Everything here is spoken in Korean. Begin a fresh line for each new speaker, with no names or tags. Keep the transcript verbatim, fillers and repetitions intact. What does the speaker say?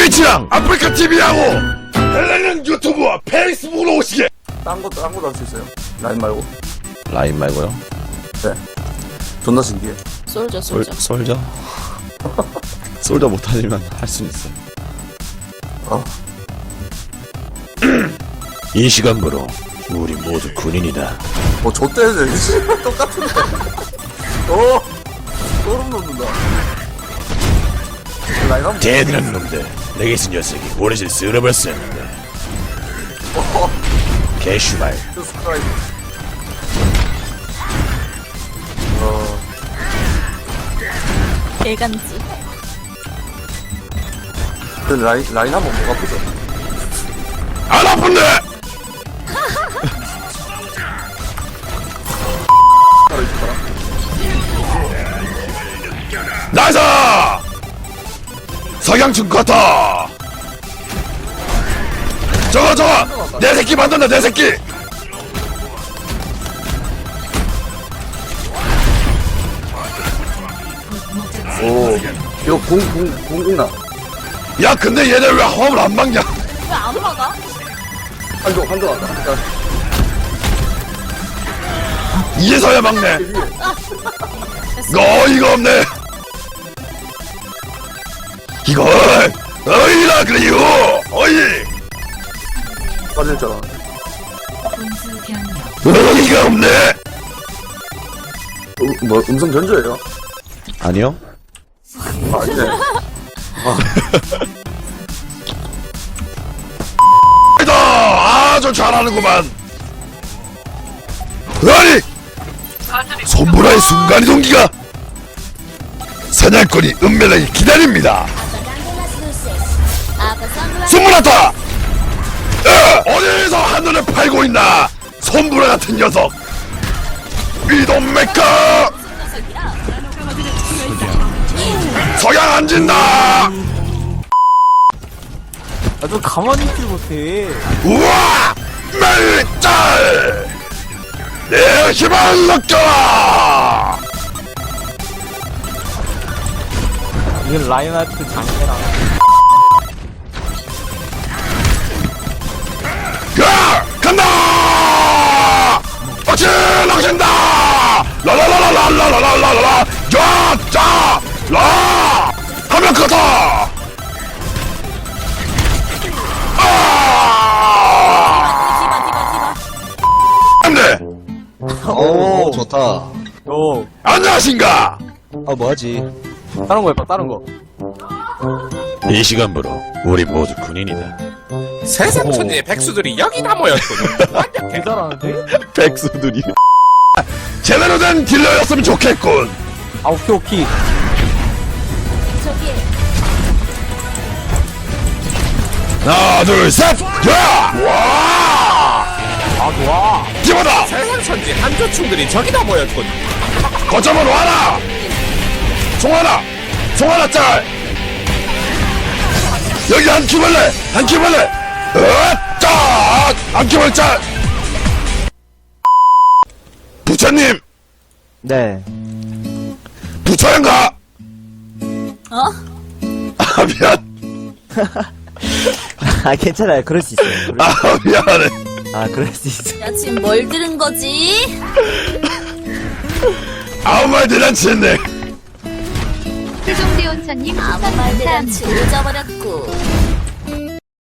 트위치랑 아프리카 티비하고 헬레는 유튜브와 페이스북으로 오시게.
딴 것도 딴 것도 할 수 있어요. 라인 말고.
라인 말고요?
네. 존나 신기해.
솔져
솔,
솔져
솔저? 솔저 못하지만 할 수는 있어.
어.
이 시간부로 우리 모두 군인이다.
뭐 좆대네. 똑같은데. 어. 소름 돋는다. 라인 한번.
대단한 놈들. 내게 있은 녀석이 오래전 쓸어버렸었는데.
어.
개슈발.
스트라이크. 어.
개간지.
그 라인 라인 한번 뭐가 보죠.
안 아픈데!
바로 있을 거라.
나이스! 석양충 같아! 저거 저거! 내 새끼 만든다 내 새끼!
오. 이거 공공 공공나.
야 근데 얘네 왜 화음을 안 막냐?
왜 안 막아?
한조 한조 왔다. 야,
이제서야 막네. 어이가 없네. 이걸 어이라 그래요. 어이.
빠질 줄 알았네.
어이가 없네.
어, 뭐 음성 전조예요?
아니요.
아 이제.
아, 아주 잘하는구만. 아니 손보라의 순간이동기가 사냥꾼이 은밀하게 기다립니다. 손보라다. 어디서 한눈에 팔고 있나 손보라 같은 녀석. 이동메카 서양 안 진다.
아, 좀 가만히 있질 못해.
우와! 멜짤! 내 힘을 느껴라!
이건 라인하트 장애라.
야! 간다! 어치! 낚신다! 라라라라라라라라라라! 야! 짜! 라! 하면 그렇다! 아! 안돼!
오, 좋다.
오,
안녕하신가?
아, 뭐하지?
다른 거 해봐, 다른 거.
이 시간부로 우리 모두 군인이다.
세상 천지의 백수들이 여기다 모였군. 완벽해.
개 잘하는데?
백수들이 제대로 된 딜러였으면 좋겠군.
아, 오케이, 오케이.
저기
하나 둘셋 야! 와!
아, 좋아.
기보다
세상 천지 한조충들이 저기다 모였군.
거점으로 와라. 송하나 송하나 짤. 여기 한 키벌레 한 키벌레 으짜 한 키벌레 짤. 부처님
네.
부처인가?
어?
아 미안.
아, 괜찮아요. 그럴 수 있어요. 그럴 수-
아 미안해.
아, 그럴 수 있어.
야 지금 뭘 들은 거지?
아무 말 대잔치했네.
최종대원사님
아무 말 대잔치 잊어버렸고